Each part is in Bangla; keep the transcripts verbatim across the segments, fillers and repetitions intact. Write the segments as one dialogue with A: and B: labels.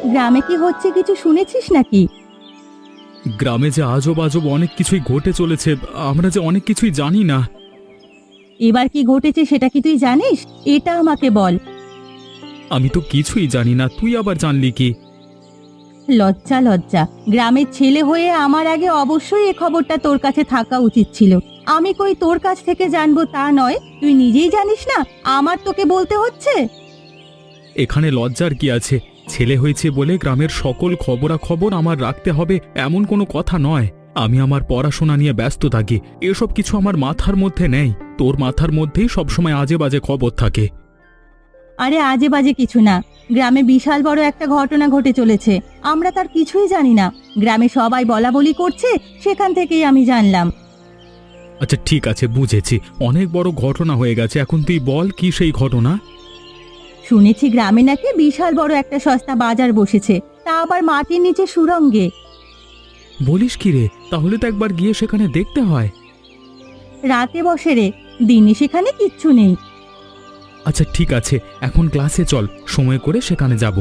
A: গ্রামে কি হচ্ছে কিছু শুনেছিস নাকি?
B: গ্রামে যে আজব আজব অনেক কিছুই ঘটে চলেছে, আমরা যে অনেক কিছুই জানি না।
A: এবার কি ঘটেছে সেটা কি তুই জানিস? এটা আমাকে বল।
B: আমি তো কিছুই জানি না, তুই আবার জানলি কি?
A: লজ্জা লজ্জা, গ্রামের ছেলে হয়ে আমার আগে অবশ্যই এ খবরটা তোর কাছে থাকা উচিত ছিল। আমি কই তোর কাছ থেকে জানবো তা নয়, তুই নিজেই জানিস না, আমার তোকে বলতে হচ্ছে।
B: এখানে লজ্জার কি আছে? ছেলে হয়েছে বলে গ্রামের সকল খবরাখবর আমার রাখতে হবে এমন কোনো কথা নয়। আমি আমার পড়াশোনা নিয়ে ব্যস্ত থাকি, এসব কিছু আমার মাথার মধ্যে নেই। তোর মাথার মধ্যেই সবসময় আজে বাজে খবর থাকে।
A: আরে আজে বাজে কিছু না, গ্রামে বিশাল বড় একটা ঘটনা ঘটে চলেছে, আমরা তার কিছুই জানি না। গ্রামে সবাই বলা বলি করছে, সেখান থেকেই আমি জানলাম।
B: আচ্ছা ঠিক আছে, বুঝেছি, অনেক বড় ঘটনা হয়ে গেছে। এখন তুই বল, কি সেই ঘটনা?
A: শুনেছি গ্রামে নাকি বিশাল বড় একটা সস্তা বাজার বসেছে, তা আবার মাটির নিচে সুড়ঙ্গে।
B: বলিস কি রে? তাহলে তো একবার গিয়ে সেখানে দেখতে হয়।
A: রাতে বসে রে, দিনে সেখানে কিচ্ছু নেই।
B: আচ্ছা ঠিক আছে, এখন ক্লাসে চল, সময় করে সেখানে যাব।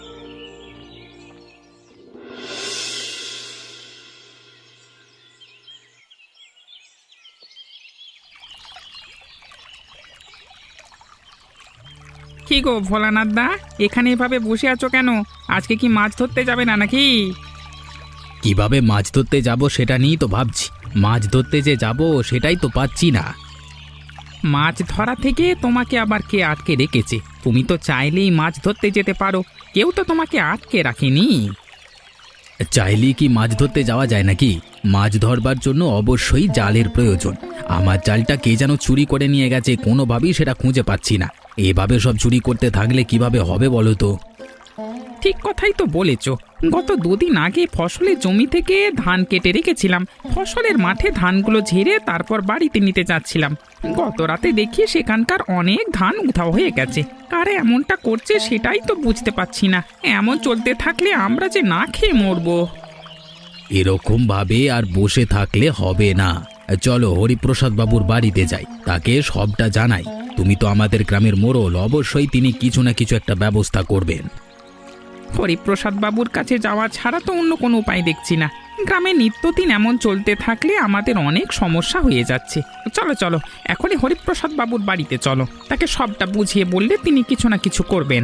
C: কি গো ভোলানাথ দা, এখানে এভাবে বসে আছো কেন? আজকে কি মাছ ধরতে যাবে না নাকি?
D: কিভাবে মাছ ধরতে যাব সেটা নিয়েই তো ভাবছি। মাছ ধরতে যে যাব সেটাই তো পাচ্ছি না।
C: মাছ ধরা থেকে তোমাকে আবার কে আটকে রেখেছে? তুমি তো চাইলেই মাছ ধরতে যেতে পারো, কেউ তো তোমাকে আটকে রাখেনি।
D: চাইলেই কি মাছ ধরতে যাওয়া যায় নাকি? মাছ ধরবার জন্য অবশ্যই জালের প্রয়োজন। আমার জালটা কে যেন চুরি করে নিয়ে গেছে, কোনোভাবেই সেটা খুঁজে পাচ্ছি না। এভাবে সব চুরি করতে থাকলে কিভাবে হবে বলো তো?
C: ঠিক কথাই তো বলেছ। গত দুদিন আগে ফসলের জমি থেকে ধান কেটে রেখেছিলাম, ফসলের মাঠে ধানগুলো ঝেড়ে তারপর বাড়িতে নিতে যাচ্ছিলাম। গত রাতে দেখি সেখানকার অনেক ধান উধাও হয়ে গেছে। কারে এমনটা করছে সেটাই তো বুঝতে পারছি না। এমন চলতে থাকলে আমরা যে না খেয়ে মরবো।
D: এরকম ভাবে আর বসে থাকলে হবে না। চলো হরিপ্রসাদ বাবুর বাড়িতে যাই, তাকে সবটা জানাই। তুমি তো আমাদের গ্রামের মোড়ল, অবশ্যই তিনি কিছু না কিছু একটা ব্যবস্থা করবেন।
C: হরিপ্রসাদ বাবুর কাছে যাওয়া ছাড়া তো অন্য কোনো উপায় দেখছি না। গ্রামে নিত্যদিন এমন চলতে থাকলে আমাদের অনেক সমস্যা হয়ে যাচ্ছে। চলো চলো, এখনই হরিপ্রসাদ বাবুর বাড়িতে চলো, তাকে সবটা বুঝিয়ে বললে তিনি কিছু না কিছু করবেন।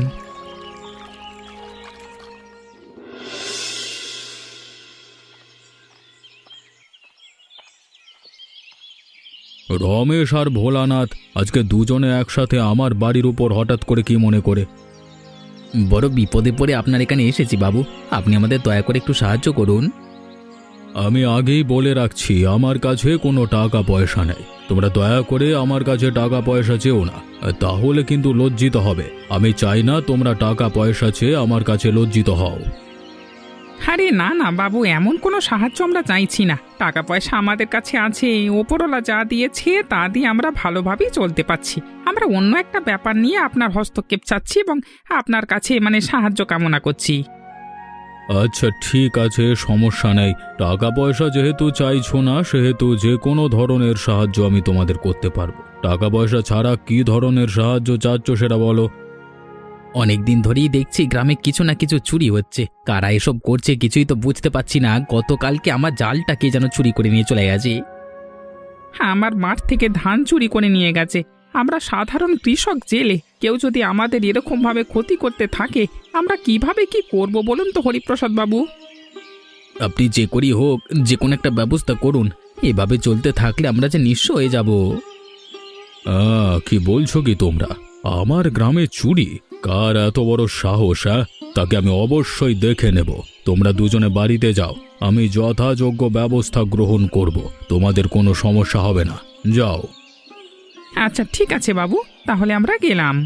B: রমেশ আর ভোলানাথ আজকে দুজনে একসাথে আমার বাড়ির উপর হঠাৎ করে কি মনে করে?
D: বড় বিপদে পড়ে আপনার এখানে এসেছি বাবু, আপনি আমাদের দয়া করে একটু সাহায্য করুন।
B: আমি আগেই বলে রাখছি, আমার কাছে কোনো টাকা পয়সা নেই। তোমরা দয়া করে আমার কাছে টাকা পয়সা চেও না, তাহলে কিন্তু লজ্জিত হবে। আমি চাই না তোমরা টাকা পয়সা চেয়ে আমার কাছে লজ্জিত হও।
C: আরে না না বাবু, এমন কোনো সাহায্য আমরা চাইছি না। টাকা পয়সা আমাদের কাছে আছে, ওপরওয়ালা যা দিয়েছে তা দিয়ে আমরা ভালোভাবেই চলতে পারছি। আমরা অন্য একটা ব্যাপার নিয়ে আপনার হস্তক্ষেপ চাচ্ছি এবং আপনার কাছে মানে সাহায্য কামনা করছি।
B: আচ্ছা ঠিক আছে, সমস্যা নেই। টাকা পয়সা যেহেতু চাইছো না, সেহেতু যে কোনো ধরনের সাহায্য আমি তোমাদের করতে পারবো। টাকা পয়সা ছাড়া কি ধরনের সাহায্য চাচ্ছ সেটা বলো।
D: অনেকদিন ধরেই দেখছি গ্রামে কিছু না কিছু চুরি হচ্ছে। কারা এসব করছে কিছুই তো বুঝতে পারছি না। গতকালকে আমার জালটা কে যেন চুরি করে নিয়ে চলে গেছে।
C: হ্যাঁ, আমার মাঠ থেকে ধান চুরি করে নিয়ে গেছে। আমরা সাধারণ কৃষক জেলে, কেউ যদি আমাদের এরকমভাবে ক্ষতি করতে থাকে আমরা কিভাবে কি করব বলুন তো হরিপ্রসাদ বাবু।
D: আপনি যে করি হোক যে কোনো একটা ব্যবস্থা করুন, এভাবে চলতে থাকলে আমরা যে নিঃস্ব হয়ে যাব।
B: আহ, কি বলছো কি তোমরা? আমার গ্রামে চুরি? কার এত বড় সাহস? হ্যাঁ, তাকে আমি অবশ্যই দেখে নেব। তোমরা দুজনে বাড়িতে যাও, আমি যথাযোগ্য ব্যবস্থা গ্রহণ করব। তোমাদের কোনো সমস্যা হবে না, যাও।
C: আচ্ছা ঠিক আছে বাবু, তাহলে আমরা গেলাম।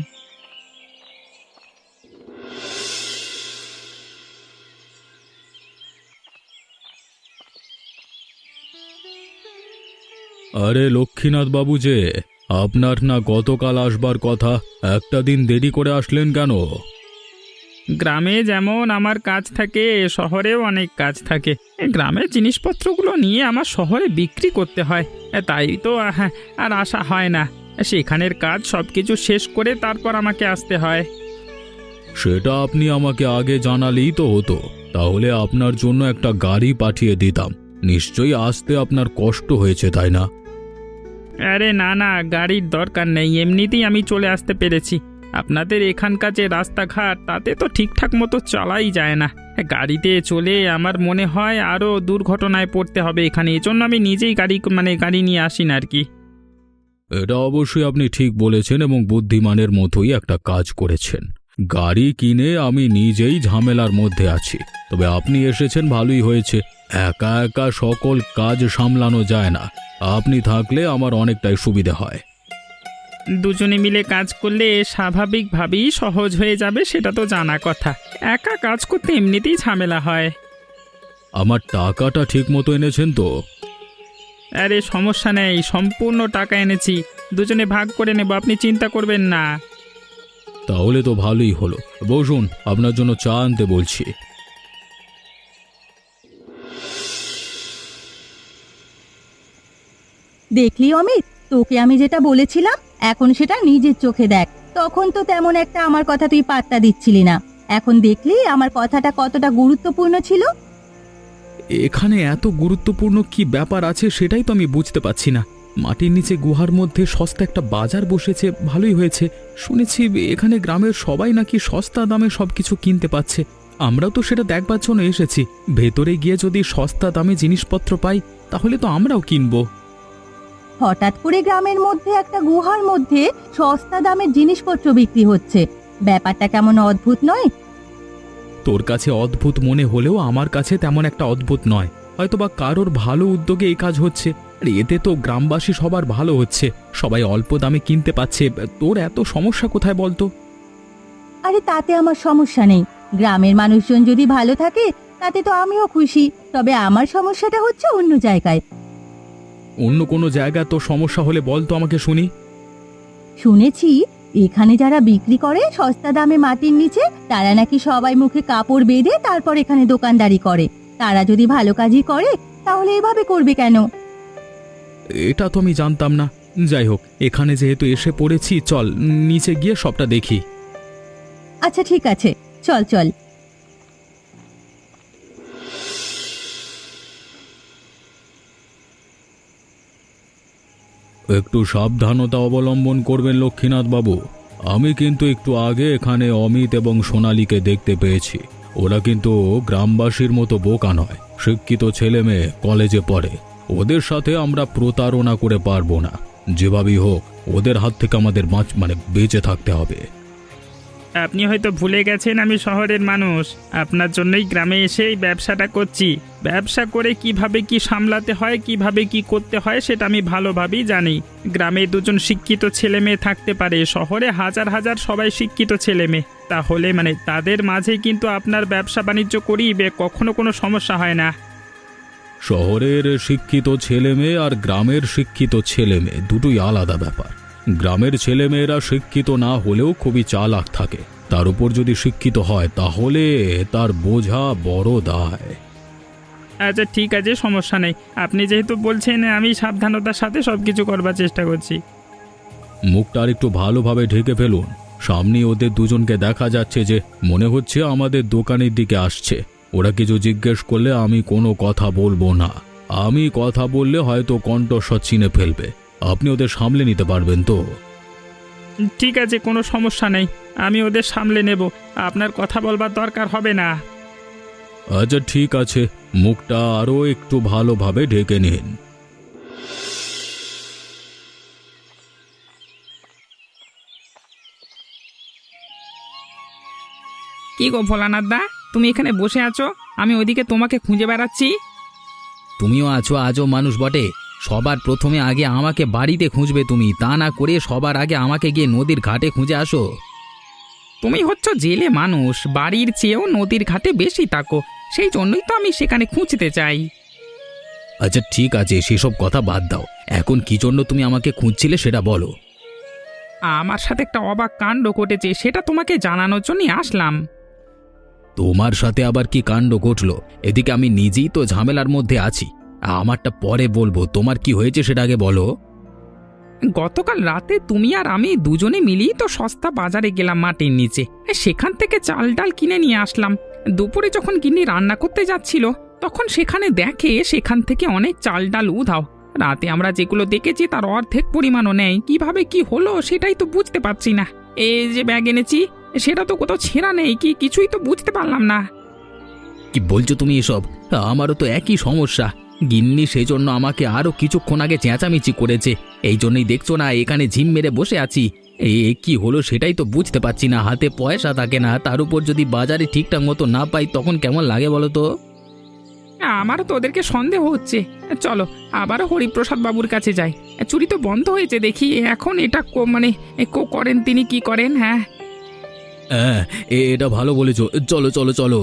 B: আরে লক্ষ্মীনাথ বাবু যে, আপনার না গতকাল আসবার কথা, একটা দিন দেরি করে আসলেন কেন?
C: গ্রামে যেমন আমার কাজ থাকে, শহরেও অনেক কাজ থাকে। গ্রামের জিনিসপত্রগুলো নিয়ে আমার শহরে বিক্রি করতে হয়, তাই তো হ্যাঁ আর আসা হয় না। সেখানের কাজ সব কিছু শেষ করে তারপর আমাকে আসতে হয়।
B: সেটা আপনি আমাকে আগে জানালেই তো হতো, তাহলে আপনার জন্য একটা গাড়ি পাঠিয়ে দিতাম। নিশ্চয়ই আসতে আপনার কষ্ট হয়েছে, তাই না?
C: আরে না না, গাড়ির দরকার নেই, এমনিতেই আমি চলে আসতে পেরেছি। আপনাদের এখানকার যে রাস্তাঘাট তাতে তো ঠিকঠাক মতো চলাই যায় না। গাড়িতে চলে আমার মনে হয় আরও দুর্ঘটনায় পড়তে হবে এখানে, এজন্য আমি নিজেই গাড়ি মানে গাড়ি নিয়ে আসি না আর কি।
B: এটা অবশ্যই আপনি ঠিক বলেছেন এবং বুদ্ধিমানের মতোই একটা কাজ করেছেন। গাড়ি কিনে আমি নিজেই ঝামেলার মধ্যে আছি, তবে আপনি এসেছেন ভালোই হয়েছে। একা একা সকল কাজ সামলানো যায় না, আপনি থাকলে আমার অনেকটাই সুবিধা হয়।
C: দুজনে মিলে কাজ করলে স্বাভাবিকভাবেই সহজ হয়ে যাবে, সেটা তো জানা কথা। একা কাজ করতে এমনিতেই ঝামেলা হয়।
B: আমার টাকাটা ঠিক মতো এনেছেন তো?
C: আরে সমস্যা নেই, সম্পূর্ণ টাকা এনেছি, দুজনে ভাগ করে নেব, আপনি চিন্তা করবেন না।
B: তাহলে তো ভালোই হলো। বসুন, আপনার জন্য চা আনতে বলছি।
A: দেখলি অমিত, তোকে আমি যেটা বলেছিলাম এখন সেটা নিজের চোখে দেখ। তখন তো তেমন একটা আমার কথা তুই পাত্তা দিচ্ছিলি না, এখন দেখলি আমার কথাটা কতটা গুরুত্বপূর্ণ ছিল।
D: এখানে এত গুরুত্বপূর্ণ কি ব্যাপার আছে সেটাই তো আমি বুঝতে পারছি না। মাটির নিচে গুহার মধ্যে সস্তা একটা বাজার বসেছে, ভালোই হয়েছে। শুনেছি এখানে গ্রামের সবাই নাকি সস্তা দামে সবকিছু কিনতে পাচ্ছে। আমরাও তো সেটা দেখবার জন্য এসেছি। ভেতরে গিয়ে যদি সস্তা দামে জিনিসপত্র পাই তাহলে তো আমরাও কিনবো।
A: হঠাৎ করে গ্রামের মধ্যে একটা গুহার মধ্যে সস্তা দামের জিনিসপত্র বিক্রি হচ্ছে, ব্যাপারটা কেমন অদ্ভুত নয়?
D: তোর কাছে অদ্ভুত মনে হলেও আমার কাছে তেমন একটা অদ্ভুত নয়। হয়তোবা কারোর ভালো উদ্যোগে এই কাজ হচ্ছে, আর এতে তো গ্রামবাসী সবার ভালো হচ্ছে, সবাই অল্প দামে কিনতে পাচ্ছে। তোর এত সমস্যা কোথায় বলতো?
A: আরে তাতে আমার সমস্যা নেই, গ্রামের মানুষজন যদি ভালো থাকে তাতে তো আমিও খুশি। তবে আমার সমস্যাটা হচ্ছে অন্য জায়গায়।
D: অন্য কোনো জায়গায় তো সমস্যা হলে বলতো আমাকে শুনি।
A: শুনেছি এখানে যারা বিক্রি করে সস্তা দামে মাটির নিচে, তারা নাকি সবাই মুখে কাপড় বেঁধে তারপর এখানে দোকানদারি করে। তারা যদি ভালো কাজই করে তাহলে এভাবে করবে কেন?
D: এটা তো আমি জানতাম না। যাই হোক, এখানে যেহেতু এসে পড়েছি, চল নিচে গিয়ে সবটা দেখি।
A: আচ্ছা ঠিক আছে, চল চল।
B: একটু সাবধানতা অবলম্বন করবেন লক্ষ্মীনাথ বাবু। আমি কিন্তু একটু আগে এখানে অমিত এবং সোনালীকে দেখতে পেয়েছি। ওরা কিন্তু গ্রামবাসীর মতো বোকা নয়, শিক্ষিত ছেলে মেয়ে, কলেজে পড়ে। ওদের সাথে আমরা প্রতারণা করে পারবো না। যেভাবেই হোক ওদের হাত থেকে আমাদের বাঁচ মানে বেঁচে থাকতে হবে।
C: আপনি হয়তো ভুলে গেছেন আমি শহরের মানুষ, আপনার জন্যই গ্রামে এসে এই ব্যবসাটা করছি। ব্যবসা করে কিভাবে কি সামলাতে হয়, কিভাবে কি করতে হয় সেটা আমি ভালোভাবেই জানি। গ্রামে দুজন শিক্ষিত ছেলে মেয়ে থাকতে পারে, শহরে হাজার হাজার সবাই শিক্ষিত ছেলে মেয়ে। তাহলে মানে তাদের মাঝে কিন্তু আপনার ব্যবসা বাণিজ্য করিবে কখনো কোনো সমস্যা হয় না।
B: শহরের শিক্ষিত ছেলে মেয়ে আর গ্রামের শিক্ষিত ছেলে মেয়ে দুটোই আলাদা ব্যাপার। গ্রামের ছেলেমেয়েরা শিক্ষিত না হলেও খুবই চালাক থাকে, তার উপর যদি শিক্ষিত হয় তাহলে তার বোঝা বড় দায়।
C: আচ্ছা ঠিক আছে, সমস্যা নেই। আপনি যেহেতু বলছেন আমি সাবধানতার সাথে সব কিছু করবার চেষ্টা করছি।
B: মুখটা আর একটু ভালোভাবে ঢেকে ফেলুন, সামনে ওদের দুজনকে দেখা যাচ্ছে যে মনে হচ্ছে আমাদের দোকানের দিকে আসছে। ওরা কিছু জিজ্ঞেস করলে আমি কোনো কথা বলবো না। আমি কথা বললে হয়তো কণ্ঠস্বর চিনে ফেলবে। আপনি ওদের সামলে নিতে পারবেন তো?
C: ঠিক আছে, কোনো সমস্যা নেই, আমি ওদের সামলে নেব, আপনার কথা বলবার দরকার হবে না।
B: আচ্ছা ঠিক আছে, মুখটা আরও একটু ভালোভাবে ঢেকে নিন।
C: কি গো ভোলানাথ দা, তুমি এখানে বসে আছো, আমি ওইদিকে তোমাকে খুঁজে বেড়াচ্ছি।
D: তুমিও আছো আজও মানুষ বটে। সবার প্রথমে আগে আমাকে বাড়িতে খুঁজবে তুমি, তা না করে সবার আগে আমাকে গিয়ে নদীর ঘাটে খুঁজে আসো।
C: তুমি হচ্ছ জেলে মানুষ, বাড়ির চেয়েও নদীর ঘাটে বেশি থাকো, সেই জন্যই তো আমি সেখানে খুঁজতে চাই।
D: আচ্ছা ঠিক আছে, সেসব কথা বাদ দাও। এখন কি জন্য তুমি আমাকে খুঁজছিলে সেটা বলো।
C: আমার সাথে একটা অবাক কাণ্ড ঘটেছে, সেটা তোমাকে জানানোর জন্যই আসলাম।
D: তোমার সাথে আবার কি কাণ্ড ঘটলো? এদিকে আমি নিজেই তো ঝামেলার মধ্যে আছি। আমারটা পরে বলবো, তোমার কি হয়েছে সেটা আগে বলো।
C: গতকাল রাতে তুমি আর আমি দুজনে মিলেই তো সস্তা বাজারে গেলাম মাটির নিচে, সেখান থেকে চাল ডাল কিনে নিয়ে আসলাম। দুপুরে যখন গিন্নি রান্না করতে যাচ্ছিল তখন সেখানে দেখে সেখান থেকে অনেক চাল ডাল উধাও। রাতে আমরা যেগুলো দেখেছি তার অর্ধেক পরিমাণও নেই। কিভাবে কি হলো সেটাই তো বুঝতে পারছি না। এই যে ব্যাগ এনেছি সেটা তো কোথাও ছেঁড়া নেই, কি কিছুই তো বুঝতে পারলাম না।
D: কি বলছো তুমি এসব? আমারও তো একই সমস্যা। গিন্নি সেই জন্য আমাকে আরো কিছুক্ষণ আগে চেঁচামেচি করেছে। এই জন্যই দেখছো না এখানে ঝিম মেরে বসে আছি। এই কি হলো সেটাই তো বুঝতে পারছি না। হাতে পয়সা থাকে না, তার উপর যদি বাজারে ঠিকঠাক মতো না পাই তখন কেমন লাগে বলো তো?
C: আমারও তো ওদেরকে সন্দেহ হচ্ছে। চলো আবারও হরিপ্রসাদ বাবুর কাছে যাই। চুরি তো বন্ধ হয়েছে দেখি, এখন এটা কো- মানে কো করেন তিনি কি করেন। হ্যাঁ
D: হ্যাঁ, এ- এটা ভালো বলেছো। চলো চলো চলো।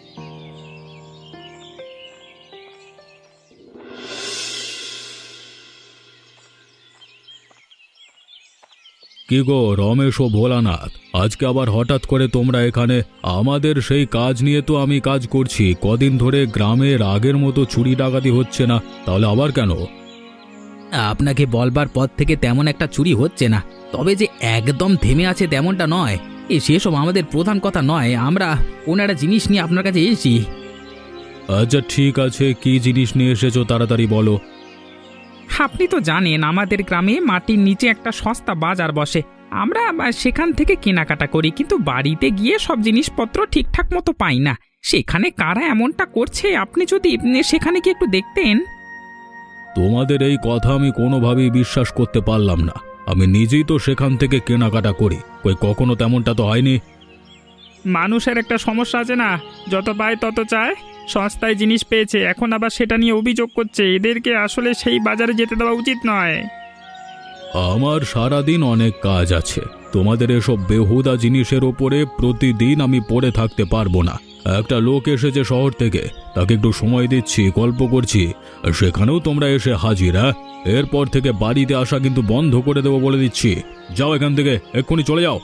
B: কি গো রমেশ ও ভোলানাথ, আজকে আবার হঠাৎ করে তোমরা এখানে? আমাদের সেই কাজ নিয়ে তো আমি কাজ করছি। কদিন ধরে গ্রামের আগের মতো চুরি ডাকাতি হচ্ছে না, তাহলে আবার কেন?
D: আপনাকে বলবার পর থেকে তেমন একটা চুরি হচ্ছে না, তবে যে একদম থেমে আছে তেমনটা নয়। এ সেসব আমাদের প্রধান কথা নয়। আমরা ওনারা জিনিস নিয়ে আপনার কাছে এসেছি।
B: আচ্ছা ঠিক আছে, কি জিনিস নিয়ে এসেছো তাড়াতাড়ি বলো।
C: আপনি তো জানেন আমাদের গ্রামে মাটির নিচে একটা সস্তা বাজার বসে। আমরা আবার সেখান থেকে কেনাকাটা করি, কিন্তু বাড়িতে গিয়ে সব জিনিসপত্র ঠিকঠাক মতো পাই না। সেখানে কারা এমনটা করছে আপনি যদি উম, সেখানে কি একটু দেখতেন।
B: তোমাদের এই কথা আমি কোনোভাবেই বিশ্বাস করতে পারলাম না। আমি নিজেই তো সেখান থেকে কেনাকাটা করি, কই কখনো তেমনটা তো হয়নি।
C: মানুষের একটা সমস্যা আছে না, যত পায় তত চায়। সস্তায় জিনিস পেয়েছে, এখন আবার সেটা নিয়ে অভিযোগ করছে। এদেরকে আসলে সেই বাজারে যেতে দেওয়া উচিত নয়।
B: আমার সারাদিন অনেক কাজ আছে, তোমাদের এসব বেহুদা জিনিসের ওপরে প্রতিদিন আমি পড়ে থাকতে পারবো না। একটা লোক এসেছে শহর থেকে, তাকে একটু সময় দিচ্ছি, গল্প করছি, আর সেখানেও তোমরা এসে হাজির। হ্যাঁ, এরপর থেকে বাড়িতে আসা কিন্তু বন্ধ করে দেবো বলে দিচ্ছি। যাও এখান থেকে, এক্ষুনি চলে যাও।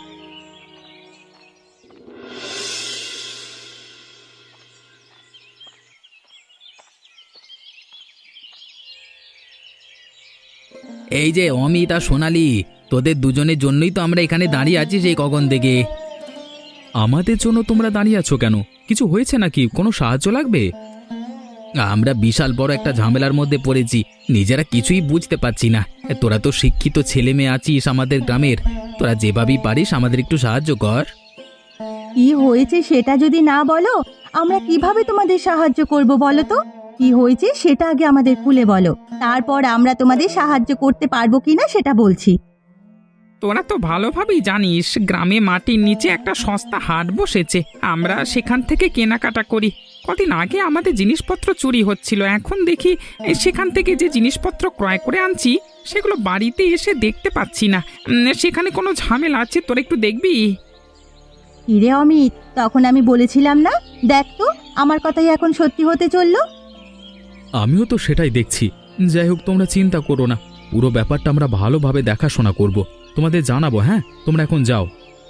D: এই যে অমিত আর সোনালি, তোদের দুজনের জন্যই তো আমরা এখানে দাঁড়িয়ে আছি সেই কখন থেকে।
B: আমাদের জন্য তোমরা দাঁড়িয়ে আছো কেন? কিছু হয়েছে নাকি? কোনো সাহায্য লাগবে?
D: আমরা বিশাল বড় একটা ঝামেলার মধ্যে পড়েছি, নিজেরা কিছুই বুঝতে পারছি না। তোরা তো শিক্ষিত ছেলে মেয়ে আছিস আমাদের গ্রামের, তোরা যেভাবেই পারিস আমাদের একটু সাহায্য কর।
A: কি হয়েছে সেটা যদি না বলো আমরা কিভাবে তোমাদের সাহায্য করব বলো তো? কি হয়েছে সেটা আগে আমাদের খুলে বলো, তারপর আমরা তোমাদের সাহায্য করতে পারবো কিনা সেটা বলছি।
C: তোরা তো ভালোভাবেই জানিস গ্রামে মাটির নিচে একটা সস্তা হাট বসেছে। আমরা সেখান থেকে কেনাকাটা করি। কদিন আগে আমাদের জিনিসপত্র চুরি হচ্ছিল, এখন দেখি এ, সেখান থেকে যে জিনিসপত্র ক্রয় করে আনছি সেগুলো বাড়িতে এসে দেখতে পাচ্ছি না। উম, সেখানে কোনো ঝামেলা আছে, তোরা একটু দেখবি।
A: হিরে অমিত, তখন আমি বলেছিলাম না, দেখ তো আমার কথাই এখন সত্যি হতে চললো।
B: আমিও তো সেটাই দেখছি। যাই হোক, তোমরা চিন্তা করো না, পুরো ব্যাপারটা আমরা ভালোভাবে দেখাশোনা করব, তোমাদের জানাবো। হ্যাঁ, তোমরা এখন যাও।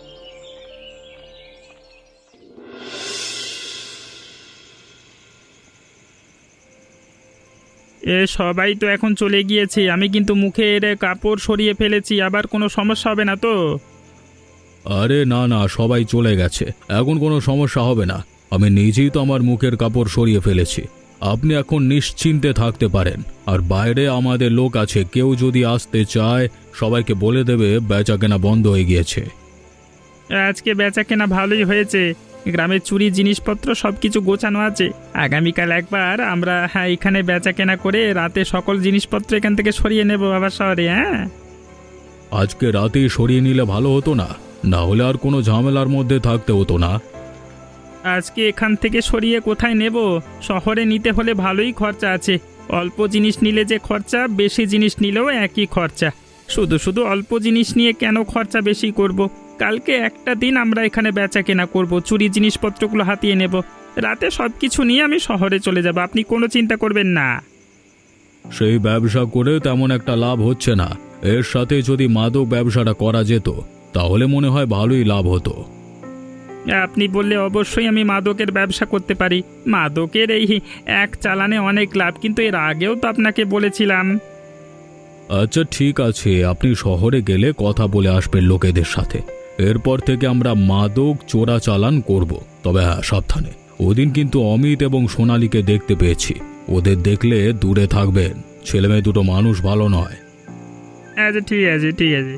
C: এ সবাই তো এখন চলে গিয়েছে, আমি কিন্তু মুখের কাপড় সরিয়ে ফেলেছি। আবার কোনো সমস্যা হবে না তো?
B: আরে না না, সবাই চলে গেছে, এখন কোনো সমস্যা হবে না। আমি নিজেই তো আমার মুখের কাপড় সরিয়ে ফেলেছি। আপনি এখন নিশ্চিন্তে থাকতে পারেন। আর বাইরে আমাদের লোক আছে, কেউ যদি আসতে চায় সবাইকে বলে দেবে বেচাকেনা বন্ধ হয়ে গিয়েছে।
C: আজকে বেচা কেনা ভালোই হয়েছে, গ্রামের চুরি জিনিসপত্র সব কিছু গোছানো আছে। আগামীকাল একবার আমরা হ্যাঁ এখানে বেচা কেনা করে রাতে সকল জিনিসপত্র এখান থেকে সরিয়ে নেব আবার শহরে। হ্যাঁ,
B: আজকে রাতেই সরিয়ে নিলে ভালো হতো না? না হলে আর কোনো ঝামেলার মধ্যে থাকতে হতো না।
C: আজকে এখান থেকে সরিয়ে কোথায় নেব? শহরে নিতে হলে ভালোই খরচা আছে। অল্প জিনিস নিলে যে খরচা, বেশি জিনিস নিলেও একই খরচা। শুধু শুধু অল্প জিনিস নিয়ে কেন খরচা বেশি করব? কালকে একটা দিন আমরা এখানে বেচা কেনা করব, চুরি জিনিসপত্রগুলো হাতিয়ে নেব। রাতে সব কিছু নিয়ে আমি শহরে চলে যাব, আপনি কোনো চিন্তা করবেন না।
B: সেই ব্যবসা করে তেমন একটা লাভ হচ্ছে না। এর সাথে যদি মাদক ব্যবসাটা করা যেত তাহলে মনে হয় ভালোই লাভ হতো।
C: আপনি বললে অবশ্যই আমি মাদকের ব্যবসা করতে পারি। মাদকের এই এক চালানে অনেক লাভ, কিন্তু এর আগেও তো আপনাকে বলেছিলাম।
B: আচ্ছা ঠিক আছে, আপনি শহরে গেলে কথা বলে আসবেন লোকেদের সাথে। এরপর থেকে আমরা মাদক চোরাচালান করব। তবে হ্যাঁ, সাবধানে। ওদিন কিন্তু অমিত এবং সোনালীকে দেখতে পেয়েছি। ওদের দেখলে দূরে থাকবেন। ছেলেমেয়ে দুটো মানুষ ভালো নয়।
C: আচ্ছা ঠিক আছে ঠিক আছে।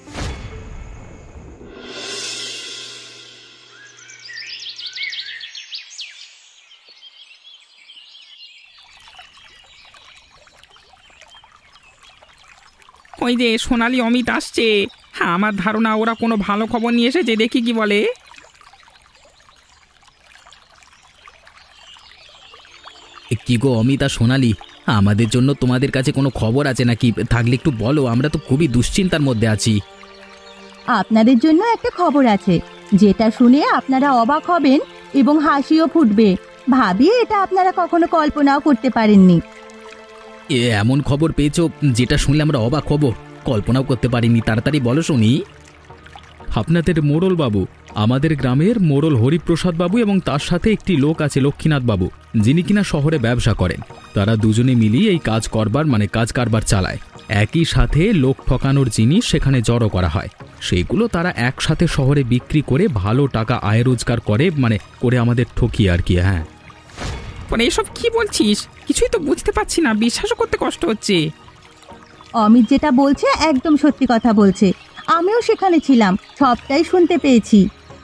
C: ওই যে সোনালী অমিত আসছে। হ্যাঁ, আমার ধারণা ওরা কোনো ভালো খবর নিয়ে এসেছে, দেখি কি বলে।
D: এ, কি গো অমিত আর সোনালি, আমাদের জন্য তোমাদের কাছে কোনো খবর আছে নাকি? থাকলে একটু বলো, আমরা তো খুবই দুশ্চিন্তার মধ্যে আছি।
A: আপনাদের জন্য একটা খবর আছে, যেটা শুনে আপনারা অবাক হবেন এবং হাসিও ফুটবে। ভাবি এটা আপনারা কখনো কল্পনাও করতে পারেননি।
D: এ এমন খবর পেয়েছো যেটা শুনলে আমরা অবাক হব, কল্পনাও করতে পারিনি। তাড়াতাড়ি বলো শুনি।
B: আপনাদের মোড়ল বাবু, আমাদের গ্রামের মোড়ল হরিপ্রসাদ বাবু এবং তার সাথে একটি লোক আছে লক্ষ্মীনাথ বাবু, যিনি কিনা শহরে ব্যবসা করেন। তারা দুজনে মিলিয়ে এই কাজ করবার মানে কাজ কারবার চালায়। একই সাথে লোক ঠকানোর জিনিস সেখানে জড়ো করা হয়, সেইগুলো তারা একসাথে শহরে বিক্রি করে ভালো টাকা আয় রোজগার করে, মানে করে আমাদের ঠকিয়ে আর কি। হ্যাঁ,
C: মানে এসব কি বলছিস? কিছুই তো বুঝতে পারছি না, বিশ্বাসও করতে কষ্ট হচ্ছে।
A: অমিত যেটা বলছে একদম সত্যি কথা বলছে। আমিও সেখানে ছিলাম, সবটাই শুনতে পেয়েছি।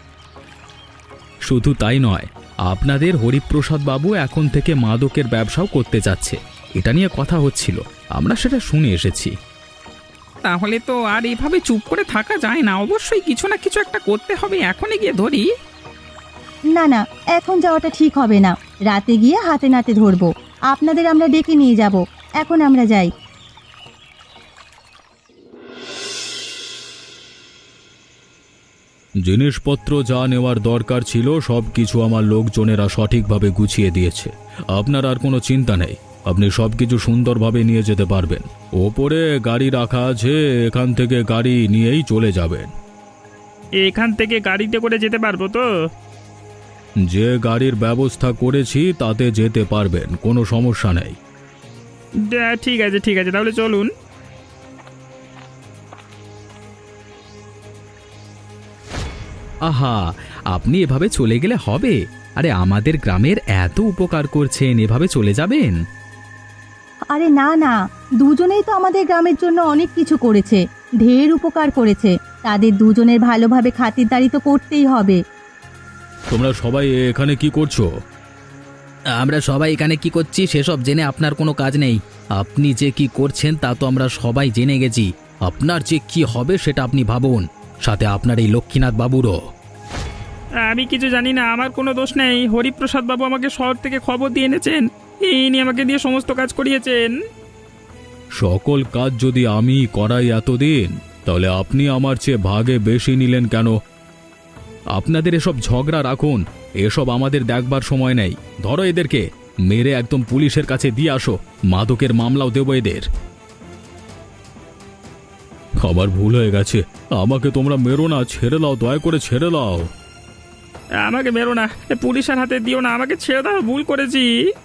B: শুধু তাই নয়, আপনাদের হরিপ্রসাদ বাবু এখন থেকে মাদকের ব্যবসাও করতে যাচ্ছে। এটা নিয়ে কথা হচ্ছিল, আমরা সেটা শুনে এসেছি।
C: তাহলে তো আর এভাবে চুপ করে থাকা যায় না, অবশ্যই কিছু না কিছু একটা করতে হবে। এখনই গিয়ে ধরি?
A: না না, এখন যাওয়াটা ঠিক হবে না। রাতে গিয়ে হাতে নাতে ধরবো। আপনাদের আমরা ডেকে নিয়ে যাব। এখন আমরা যাই।
B: জিনিসপত্র যা নেওয়ার দরকার ছিল সব কিছু আমার লোকজনেরা সঠিকভাবে গুছিয়ে দিয়েছে। আপনার আর কোনো চিন্তা নেই, আপনি সব কিছু সুন্দরভাবে নিয়ে যেতে পারবেন। ওপরে গাড়ি রাখা আছে, এখান থেকে গাড়ি নিয়েই চলে যাবেন।
C: এখান থেকে গাড়িতে করে যেতে পারবো তো?
B: যে গাড়ির ব্যবস্থা করেছি তাতে যেতে পারবেন, কোনো সমস্যা নেই।
C: ঠিক আছে ঠিক আছে, তাহলে চলুন।
D: আহা, আপনি এভাবে চলে গেলে হবে? আরে আমাদের গ্রামের এত উপকার করছেন, এভাবে চলে যাবেন?
A: আরে না না, দুজনেই তো আমাদের গ্রামের জন্য অনেক কিছু করেছে, ঢের উপকার করেছে। তাদের দুজনের ভালোভাবে খাতিরদারি তো করতেই হবে।
B: তোমরা সবাই এখানে কি করছো?
D: আমরা সবাই এখানে কি করছি সেসব জেনে আপনার কোনো কাজ নেই। আপনি যে কি করছেন তা তো আমরা সবাই জেনে গেছি। আপনার যে কি হবে সেটা আপনি ভাবুন, সাথে আপনার এই লক্ষ্মীনাথ বাবুরও।
C: আমি কিছু জানি না, আমার কোনো দোষ নেই। হরিপ্রসাদ বাবু আমাকে শহর থেকে খবর দিয়ে এনেছেন, ইনি আমাকে দিয়ে সমস্ত কাজ করিয়েছেন।
B: সকল কাজ যদি আমি করাই এতদিন, তাহলে আপনি আমার চেয়ে ভাগে বেশি নিলেন কেন? আপনাদের এসব ঝগড়া রাখুন, এসব আমাদের দেখবার সময় নেই। ধরো এদেরকে, মেরে একদম পুলিশের কাছে দিয়ে আসো, মাদকের মামলাও দেবো এদের। আমার ভুল হয়ে গেছে, আমাকে তোমরা মেরো না, ছেড়ে দাও, দয়া করে ছেড়ে দাও।
C: আমাকে মেরো না, পুলিশের হাতে দিও না, আমাকে ছেড়ে দাও, ভুল করেছি।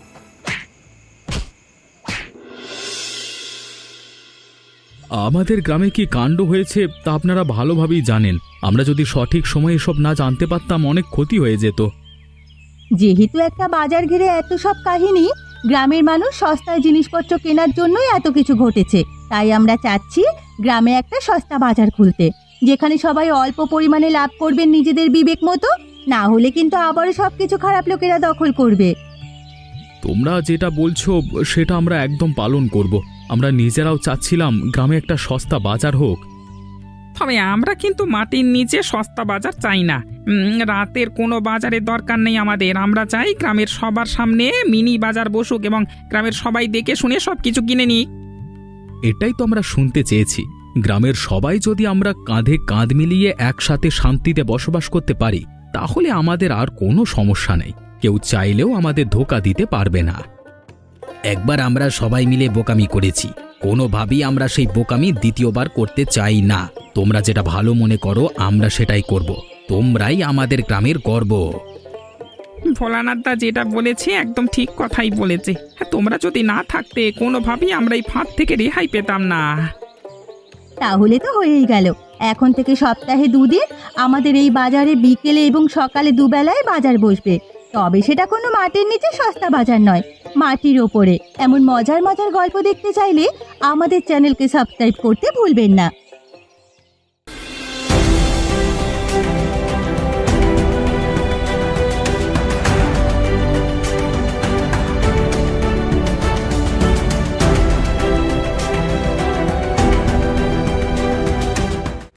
B: আমাদের গ্রামে কি কাণ্ড হয়েছে তা আপনারা ভালোভাবেই জানেন। আমরা যদি সঠিক সময়ে এসব না জানতে পারতাম, অনেক ক্ষতি হয়ে যেত।
A: যেহেতু একটা বাজার ঘিরে এত সব কাহিনী, গ্রামের মানুষ সস্তায় জিনিসপত্র কেনার জন্যই এত কিছু ঘটেছে। তাই আমরা চাচ্ছি গ্রামে একটা সস্তা বাজার খুলতে, যেখানে সবাই অল্প পরিমাণে লাভ করবেন নিজেদের বিবেক মতো। না হলে কিন্তু আবারও সবকিছু খারাপ লোকেরা দখল করবে।
B: তোমরা যেটা বলছো সেটা আমরা একদম পালন করব। আমরা নিজেরাও চাচ্ছিলাম গ্রামে একটা সস্তা বাজার হোক।
C: তবে আমরা কিন্তু মাটির নিচে সস্তা বাজার চাই না। উম, রাতের কোনো বাজারের দরকার নেই আমাদের। আমরা চাই গ্রামের সবার সামনে মিনি বাজার বসুক এবং গ্রামের সবাই দেখে শুনে সব কিছু কিনে নিক।
B: এটাই তো আমরা শুনতে চেয়েছি। গ্রামের সবাই যদি আমরা কাঁধে কাঁধ মিলিয়ে একসাথে শান্তিতে বসবাস করতে পারি, তাহলে আমাদের আর কোনো সমস্যা নেই। কেউ চাইলেও আমাদের ধোঁকা দিতে পারবে না।
D: একবার আমরা সবাই মিলে বোকামি করেছি, কোনোভাবেই আমরা সেই বোকামি দ্বিতীয়বার করতে চাই না। তোমরা যেটা ভালো মনে করো আমরা সেটাই করব। তোমরাই আমাদের গ্রামের গর্ব।
C: ভোলানাথ দা যেটা বলেছে একদম ঠিক কথাই বলেছে। হ্যাঁ, তোমরা যদি না থাকতে কোনোভাবেই আমরা এই ফাঁদ থেকে রেহাই পেতাম না।
A: তাহলে তো হয়েই গেল। এখন থেকে সপ্তাহে দুদিন আমাদের এই বাজারে বিকেলে এবং সকালে দুবেলায় বাজার বসবে। তবে সেটা কোনো মাটির নিচে সস্তা বাজার নয়, মাটির ওপরে। এমন মজার মজার গল্প দেখতে চাইলে আমাদের চ্যানেলকে সাবস্ক্রাইব করতে ভুলবেন না।